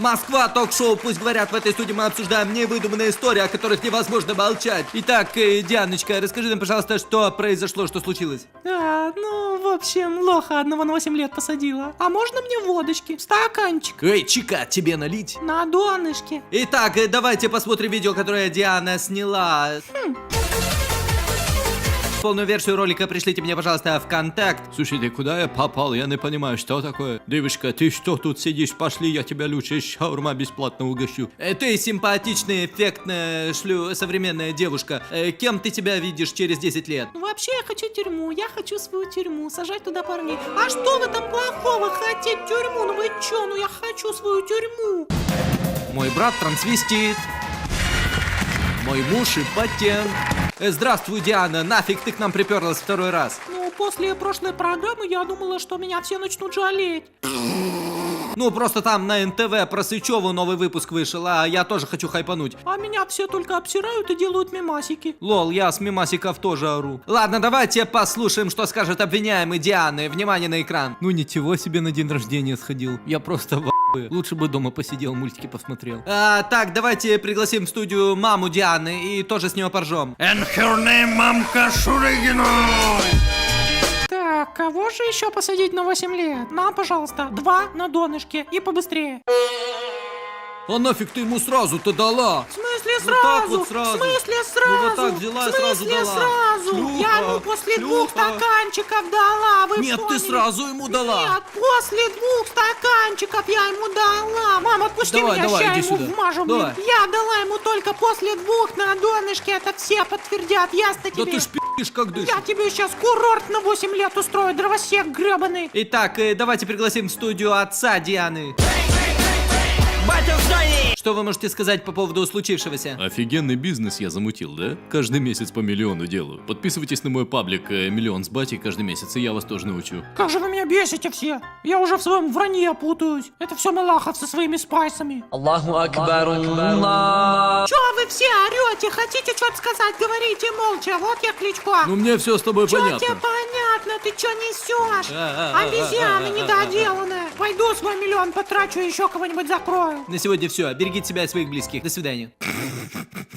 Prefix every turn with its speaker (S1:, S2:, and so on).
S1: Москва, ток-шоу, пусть говорят, в этой студии мы обсуждаем невыдуманные истории, о которых невозможно молчать. Итак, Дианочка, расскажи нам, пожалуйста, что произошло, что случилось?
S2: В общем, лоха одного на 8 лет посадила. А можно мне водочки? Стаканчик.
S1: Эй, чика, тебе налить?
S2: На донышке.
S1: Итак, давайте посмотрим видео, которое Диана сняла. Полную версию ролика пришлите мне, пожалуйста, в контакт. Слушайте, куда я попал? Я не понимаю, что такое. Девушка, ты что тут сидишь? Пошли, я тебя лучше шаурма бесплатно угощу. Ты симпатичная, эффектная, современная девушка. Кем ты себя видишь через 10 лет?
S2: Вообще я хочу тюрьму, я хочу свою тюрьму, сажать туда парней. А что в этом плохого хотеть тюрьму? Ну вы чё, я хочу свою тюрьму.
S1: Мой брат трансвестит. Мой муж импотент. Здравствуй, Диана, нафиг ты к нам приперлась второй раз?
S2: После прошлой программы я думала, что меня все начнут жалеть.
S1: Просто там на НТВ про Сычеву новый выпуск вышел, а я тоже хочу хайпануть.
S2: А меня все только обсирают и делают мемасики.
S1: Лол, я с мемасиков тоже ору. Ладно, давайте послушаем, что скажет обвиняемый Дианы. Внимание на экран. Ничего себе, на день рождения сходил. Я просто в ахуе. Лучше бы дома посидел, мультики посмотрел. Так, давайте пригласим в студию маму Дианы и тоже с него поржем.
S3: And her name мамка Шурыгиной.
S2: Так, кого же еще посадить на 8 лет? Нам, пожалуйста, 2 на донышке и побыстрее.
S1: А нафиг ты ему сразу-то дала?
S2: В смысле
S1: Вот так
S2: сразу?
S1: вот сразу.
S2: В смысле сразу?
S1: Ну вот так взяла и
S2: в смысле
S1: сразу дала.
S2: сразу?
S1: Шлюха,
S2: Я ему после 2
S1: шлюха.
S2: стаканчиков дала, вы
S1: Нет, ты
S2: поняли?
S1: сразу ему дала.
S2: Нет, после 2 стаканчиков я ему дала. Мама, отпусти
S1: Давай,
S2: меня,
S1: давай,
S2: ща
S1: иди
S2: ему
S1: сюда.
S2: вмажу,
S1: Давай.
S2: блин. Я дала ему только после 2 на донышке, это все подтвердят, ясно
S1: Да
S2: тебе?
S1: ты ж пи***ишь как дышишь.
S2: Я тебе сейчас курорт на 8 лет устрою, дровосек гребаный.
S1: Итак, давайте пригласим в студию отца Дианы.
S3: Батя в здании!
S1: Что вы можете сказать по поводу случившегося?
S4: Офигенный бизнес я замутил, да? Каждый месяц по миллиону делаю. Подписывайтесь на мой паблик «Миллион с батей» каждый месяц, и я вас тоже научу.
S2: Как же вы меня бесите все. Я уже в своем вранье путаюсь. Это все Малахов со своими спайсами.
S3: Аллаху Акбар, Аллах.
S2: Чё вы все орете? Хотите что-то сказать? Говорите молча. Вот я Кличко.
S1: Мне все с тобой
S2: Чё тебе
S1: понятно.
S2: понятно? Ты чё несешь? Обезьяна недоделанная. Пойду свой миллион потрачу, еще кого-нибудь закрою.
S1: На сегодня все. Берегите себя и своих близких. До свидания.